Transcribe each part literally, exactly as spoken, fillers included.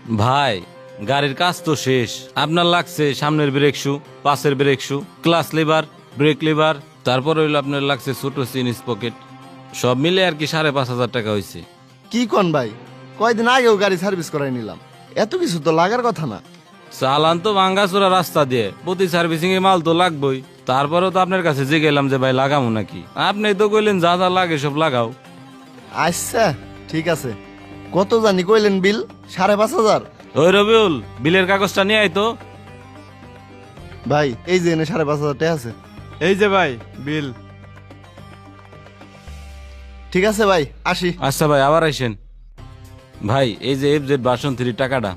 ভাই গাড়ির কাজ তো শেষ, আপনার লাগছে সামনের ব্রেক শু, পাশের brake shoe, clutch lever, brake lever, তারপর হইলো আপনার লাগছে ছোট সিন স্পকেট, সব মিলে আর কি সাড়ে পাঁচ হাজার টাকা হয়েছে। কি কোন ভাই, কয়দিন আগেও গাড়ি সার্ভিস করাই নিলাম, এত কিছু তো লাগার কথা না। চালান তো ভাঙ্গাচোরা রাস্তা দিয়ে, প্রতি সার্ভিসিং এ মাল তো লাগবেই। তারপরেও তো আপনার কাছে যে গেলাম যে ভাই লাগামো নাকি, আপনি তো কইলেন যা যা লাগে সব লাগাও। আচ্ছা ঠিক আছে, কত জানি কইলেন বিল? সাড়ে পাঁচ হাজার। ওই রবিউল, বিলের কাগজটা নিয়ে আয় তো। ভাই এই যে এনে সাড়ে পাঁচ হাজার টাকা আছে। এই যে ভাই বিল। ঠিক আছে ভাই, আসি। আচ্ছা ভাই, আবার আইসেন। ভাই এই যে এফ জেড ভার্সন থ্রি টাকাটা।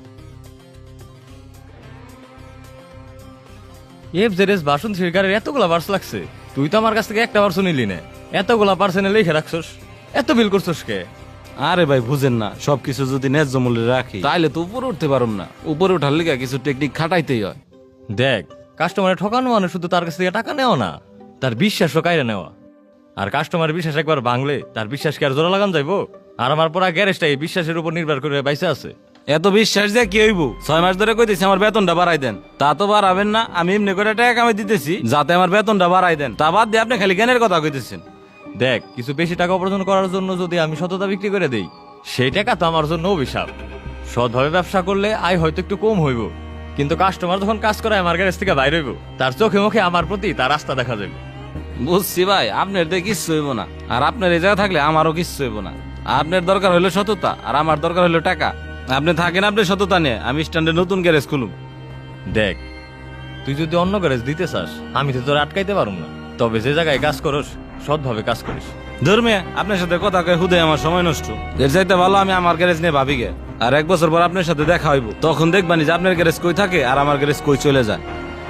F Z S version three গাড়ির এতগুলা পার্স লাগছে, তুই তো আমার কাছ থেকে একটা পার্সও নিলি না, এতগুলা পার্সেন্টে লিখে রাখছস, এত বিল করছস কে? আরে ভাই বুঝেন না, সবকিছু যদি ন্যায্য মূল্যে রাখি তাইলে তো উপরে উঠতে পারুম না, উপরে উঠার লিগা কিছু টেকনিক খাটাইতেই হয়। দেখ, কাস্টমারে ঠকানো মানে শুধু তার কাছ থেকে টাকা নেওয়া না, তার বিশ্বাসও কাইরে নেওয়া। আর কাস্টমারের বিশ্বাস একবার ভাঙলে তার বিশ্বাস কি আর জোড়া লাগান যাইবো? আর আমার পড়া গ্যারেজটা এই বিশ্বাসের উপর নির্ভর করে বাইসে আছে। এত বিশ্বাস দিয়ে কি হইব? ছয় মাস ধরে কইতেছি আমার বেতনটা বাড়াই দেন, তা তো বাড়াবেন না। আমি এমনি করে টাকা কামাই দিতেছি যাতে আমার বেতনটা বাড়াই দেন, তা বাদ দিয়ে আপনি খালি জ্ঞানের কথা কইতেছেন। দেখ, কিছু বেশি টাকা উপার্জন করার জন্য যদি আমি সততা বিক্রি করে দেই, সেই টাকা তো আমার জন্য অভিশাপ। সৎভাবে ব্যবসা করলে আয় হয়তো একটু কম হইব, কিন্তু কাস্টমার যখন কাজ করে আমার গ্যারেজ থেকে বাইরে হইব, তার চোখে মুখে আমার প্রতি তার রাস্তা দেখা যাবে। বুঝছি ভাই, আপনার দিয়ে কিচ্ছু হইব না, আর আপনার এই জায়গা থাকলে আমারও কিচ্ছু হইব না। আপনার দরকার হইলো সততা, আর আমার দরকার হইলো টাকা। আপনি থাকেন আপনি সততা নিয়ে, আমি স্ট্যান্ডে নতুন গ্যারেজ খুলুম। দেখ, তুই যদি অন্য গ্যারেজ দিতে চাস, আমি তো তোর আটকাইতে পারুম না, তবে যে জায়গায় কাজ করস সৎভাবে কাজ করিস। ধর্মে আপনার সাথে কথা কয়ে হুদে আমার সময় নষ্ট, এর চাইতে ভালো আমি আমার গ্যারেজ নিয়ে ভাবি গে। আর এক বছর পর আপনার সাথে দেখা হইব, তখন দেখবানি যে আপনার গ্যারেজ কই থাকে আর আমার গ্যারেজ কই চলে যায়।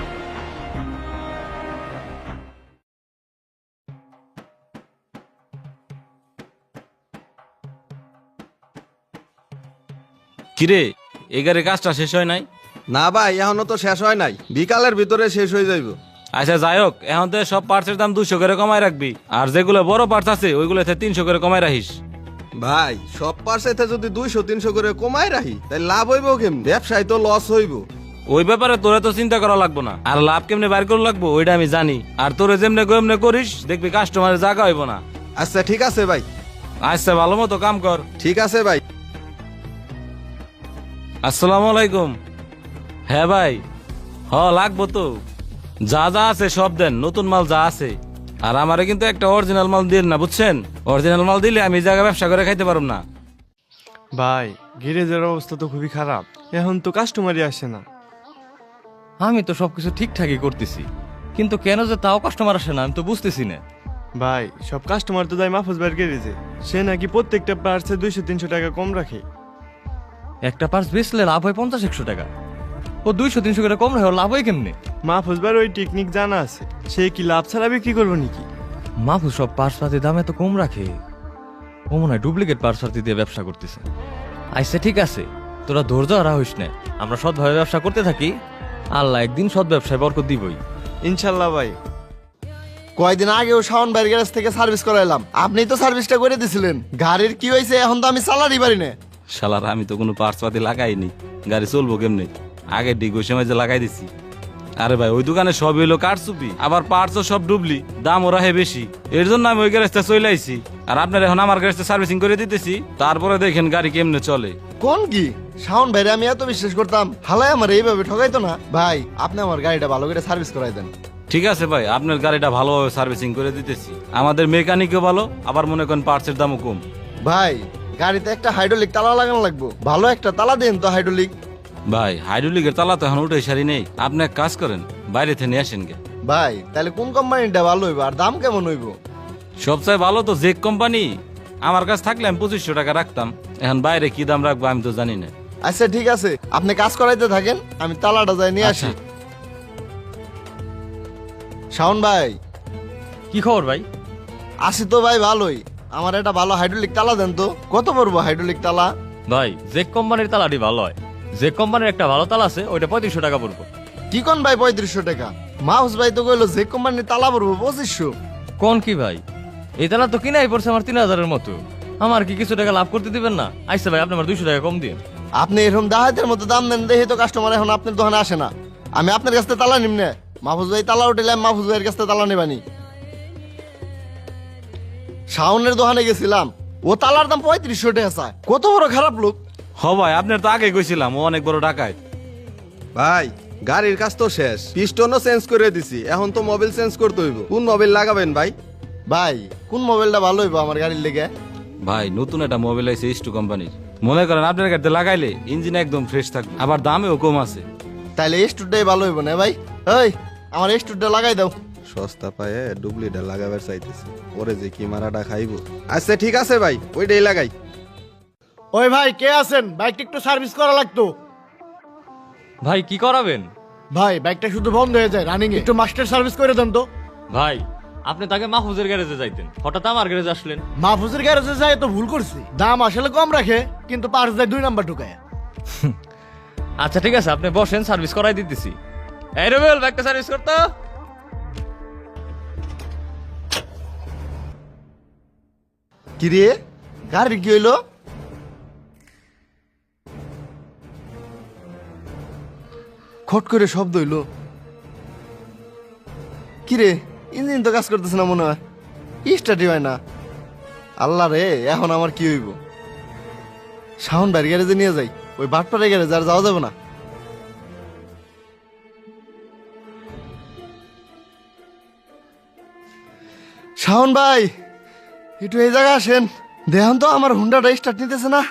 কিরে, এই গাড়ির কাজটা শেষ হয় নাই? না ভাই, এখনো তো শেষ হয় নাই, বিকালের ভিতরে শেষ হয়ে যাইব। আচ্ছা যাই হোক, এখন তো সব পার্টসের দাম দুশো করে কমায় রাখবি, আর যেগুলো বড় পার্টস আছে ওইগুলোতে তিনশো করে কমায় রাখিস। ভাই সব পার্সেতে যদি দুইশো তিনশো করে কমাই রাখি তাই লাভ হইব কেমন? ব্যবসায় তো লস হইব। ওই ব্যাপারে তোরে তো চিন্তা করা লাগবো না, আর লাভ কেমনে বাইর করে লাগবো ওইটা আমি জানি। আর তোরে যেমনে কেমনে করিস দেখবি কাস্টমারের জায়গা হইব না। আচ্ছা ঠিক আছে ভাই। আচ্ছা ভালো মতো কাম কর। ঠিক আছে ভাই। আসসালামু আলাইকুম। হ্যাঁ ভাই, হ লাগবো তো, যা যা আছে সব দেন, নতুন মাল যা আছে। আর আমারে কিন্তু একটা অরিজিনাল মাল দিন না, বুঝছেন? অরিজিনাল মাল দিলে আমি এই জায়গায় ব্যবসা করে খাইতে পারব না। ভাই গ্যারেজের অবস্থা তো খুবই খারাপ, এখন তো কাস্টমারই আসে না। আমি তো সবকিছু ঠিকঠাকই করতেছি, কিন্তু কেন যে তাও কাস্টমার আসে না আমি তো বুঝতেছি না। ভাই সব কাস্টমার তো যায় মাহফুজ ভাইয়ের গ্যারেজে, সে নাকি প্রত্যেকটা পার্টসে দুইশো তিনশো টাকা কম রাখে। একটা পার্স বেচলে লাভ হয় পঞ্চাশ একশো টাকা, ও দুইশো তিনশো করে কম রাখে, ওর লাভ হয় কেমনে? মাহফুজ ভাইয়ের ওই টেকনিক জানা আছে, সে কি লাভ ছাড়া বিক্রি করবো নাকি? মাহফুজ সব পার্স পাতির দাম এত কম রাখে, ও মনে হয় ডুপ্লিকেট পার্স পাতি দিয়ে ব্যবসা করতেছে। আচ্ছা ঠিক আছে, তোরা ধৈর্য হারা হইস না, আমরা সৎভাবে ব্যবসা করতে থাকি, আল্লাহ একদিন সৎ ব্যবসায় বরকত দিবই। ইনশাল্লাহ ভাই। কয়দিন আগেও শাওন ভাইয়ের গ্যারেজ থেকে সার্ভিস করাইলাম, আপনি তো সার্ভিসটা করে দিছিলেন। গাড়ির কি হয়েছে এখন তো আমি চালারই পারি না। শালার আমি তো কোনো পার্টস পাতি লাগাইনি, গাড়ি চলবো কেমনে? আগে ডিগ ওই সময় যে লাগাই দিছি। আরে ভাই ওই দোকানে সব হইলো কারচুপি, আবার পার্টসও সব ডুবলি, দাম ওরা হে বেশি, এর জন্য আমি ওই গ্যারেজটা চলে আইছি। আর আপনার এখন আমার গ্যারেজটা সার্ভিসিং করে দিতেছি, তারপরে দেখেন গাড়ি কেমনে চলে। কোন কি শাওন ভাইরে আমি এত বিশ্বাস করতাম, হালাই আমার এইভাবে ঠকাইতো না। ভাই আপনি আমার গাড়িটা ভালো করে সার্ভিস করাই দেন। ঠিক আছে ভাই, আপনার গাড়িটা ভালোভাবে সার্ভিসিং করে দিতেছি, আমাদের মেকানিকও ভালো, আবার মনে করেন পার্টসের দামও কম। ভাই গাড়িতে একটা হাইড্রোলিক তালা লাগানো লাগবো, ভালো একটা তালা দেন তো হাইড্রোলিক। ভাই হাইড্রোলিকের তালা তো এখন উঠে সারি নেই, আপনি এক কাজ করেন বাইরে থেকে নিয়ে আসেন গে। ভাই তাহলে কোন কোম্পানিটা ভালো হইব আর দাম কেমন হইব? সবচেয়ে ভালো তো জেক কোম্পানি, আমার কাছে থাকলে আমি পঁচিশশো টাকা রাখতাম, এখন বাইরে কি দাম রাখবো আমি তো জানি না। আচ্ছা ঠিক আছে, আপনি কাজ করাইতে থাকেন, আমি তালাটা যাই নিয়ে আসি। আচ্ছা। শাওন ভাই। কি খবর ভাই? আসি তো ভাই ভালোই, আমার একটা ভালো হাইড্রোলিক তালা দেন তো। কত পড়বো হাইড্রোলিক তালা? ভাই জেক কোম্পানির তালাটি ভালো হয়, জেক কোম্পানির একটা ভালো তালা আছে, ওইটা পঁয়ত্রিশশো টাকা পড়বো। কি কোন ভাই পঁয়ত্রিশশো টাকা? মাহুস ভাই তো কইলো যে কোম্পানির তালা পড়বো পঁচিশশো। কোন কি ভাই, এই তালা তো কিনাই পড়ছে আমার তিন হাজারের মতো, আমার কি কিছু টাকা লাভ করতে দিবেন না? আইসা ভাই আপনি আমার দুইশো টাকা কম দিন। আপনি এরকম দাহাতের মতো দাম দেন দেখে তো কাস্টমার এখন আপনার দোকানে আসে না। আমি আপনার কাছ থেকে তালা নিমনে, মাহফুজ ভাই তালা উঠলে আমি মাহফুজ ভাইয়ের কাছ থেকে তালা নেবানি। শাওনের দোকানে গেছিলাম, ও তালার দাম পঁয়ত্রিশশো টাকা চায়। কত বড় খারাপ লোক। হ ভাই আপনার তো আগে কইছিলাম ও অনেক বড় ডাকাত। ভাই গাড়ির কাজ তো শেষ, পিস্টনও চেঞ্জ করে দিছি, এখন তো মোবিল চেঞ্জ করতে হইব। কোন মোবিল লাগাবেন ভাই? ভাই কোন মোবাইলটা ভালো হইব আমার গাড়ির লেগে? ভাই নতুন একটা মোবাইল আছে ইস্টু কোম্পানির, মনে করেন আপনার গাড়িতে লাগাইলে ইঞ্জিন একদম ফ্রেশ থাকবে, আবার দামেও কম আছে। তাইলে স্টুডটাই ভালো হইব না ভাই? ওই আমার স্টুডটা লাগাই দাও। সস্তা পায়ে ডুপ্লিটা লাগাবার চাইতেছি, পরে যে কি মারাটা খাইব। আচ্ছা ঠিক আছে ভাই, ওইটাই লাগাই। ওই ভাই কে আছেন? বাইকটা একটু সার্ভিস করা লাগতো। ভাই কি করাবেন? ভাই বাইকটা শুধু বন্ধ হয়ে যায় রানিং, একটু মাস্টার সার্ভিস করে দেন তো। ভাই আপনি তাকে মাহফুজের গ্যারেজে যাইতেন, হঠাৎ আমার গ্যারেজে আসলেন। মাহফুজের গ্যারেজে যায় তো ভুল করছি, দাম আসলে কম রাখে কিন্তু পার্স দেয় দুই নাম্বার ঢুকায়। আচ্ছা ঠিক আছে, আপনি বসেন, সার্ভিস করাই দিতেছি। এই রবিউল, বাইকটা সার্ভিস করতো। কি রে গাড়ি কি হইলো? খট করে শব্দ হইলো। কি রে ইঞ্জিন তো কাজ করতেছে না মনে হয়, স্টার্টই হয় না। আল্লাহ রে এখন আমার কি হইব? শাওন ভাইয়ের গ্যারেজে নিয়ে যাই, ওই বাটপাড়ের গ্যারেজে আর যাওয়া যাবে না। শাওন ভাই একটু এই জায়গায় আসেন, দেখুন তো আমার হুন্ডাটা স্টার্ট নিতেছে না।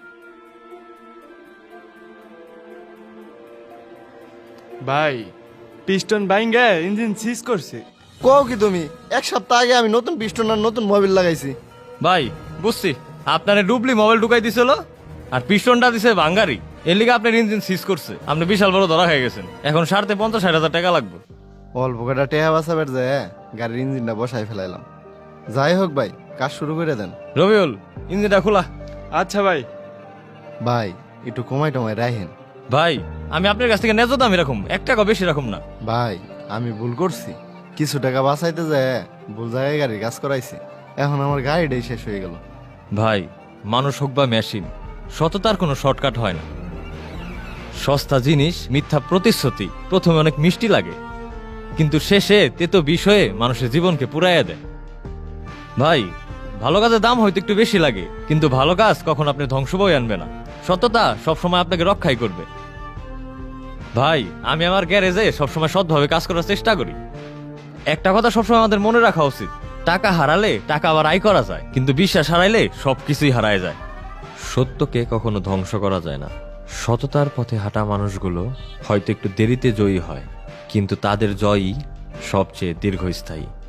ভাই পিস্টন বাইঙ্গে ইঞ্জিন সিজ করছে। কও কি তুমি? এক সপ্তাহ আগে আমি নতুন পিস্টন আর নতুন মোবিল লাগাইছি। ভাই বুঝছি, আপনার ডুবলি মোবাইল ঢুকাই দিছিল আর পিস্টনটা দিছে বাঙ্গারি, এর লিগে আপনার ইঞ্জিন সিজ করছে। আপনি বিশাল বড় ধরা হয়ে গেছেন, এখন সাড়ে পঞ্চাশ ষাট হাজার টাকা লাগবে। অল্প কটা টেহা বাঁচাবার যায় গাড়ির ইঞ্জিনটা বসাই ফেলাইলাম। যাই হোক ভাই কাজ শুরু করে দেন। রবিউল, ইঞ্জিনটা খোলা। আচ্ছা ভাই। ভাই একটু কমাই টমাই রাখেন। ভাই আমি আপনার কাছ থেকে ন্যায্য দাম এরকম, এক টাকা বেশি রাখুন না। ভাই আমি ভুল করছি, কিছু টাকা বাঁচাইতে যায় ভুল জায়গায় গাড়ির কাজ করাইছি, এখন আমার গাড়িটাই শেষ হয়ে গেল। ভাই মানুষ হোক বা মেশিন, সততার কোনো শর্টকাট হয় না। সস্তা জিনিস, মিথ্যা প্রতিশ্রুতি প্রথমে অনেক মিষ্টি লাগে, কিন্তু শেষে তেতো বিষয়ে মানুষের জীবনকে পুরাইয়া দেয়। ভাই ভালো কাজের দাম হয়তো একটু বেশি লাগে, কিন্তু ভালো কাজ কখন আপনি ধ্বংস বই আনবে না। সততা সবসময় আপনাকে রক্ষাই করবে। ভাই আমি আমার গ্যারেজে সবসময় সৎভাবে কাজ করার চেষ্টা করি। একটা কথা সবসময় আমাদের মনে রাখা উচিত, টাকা হারালে টাকা আবার আয় করা যায়, কিন্তু বিশ্বাস হারাইলে সবকিছুই হারায় যায়। সত্যকে কখনো ধ্বংস করা যায় না। সততার পথে হাঁটা মানুষগুলো হয়তো একটু দেরিতে জয়ী হয়, কিন্তু তাদের জয়ই সবচেয়ে দীর্ঘস্থায়ী।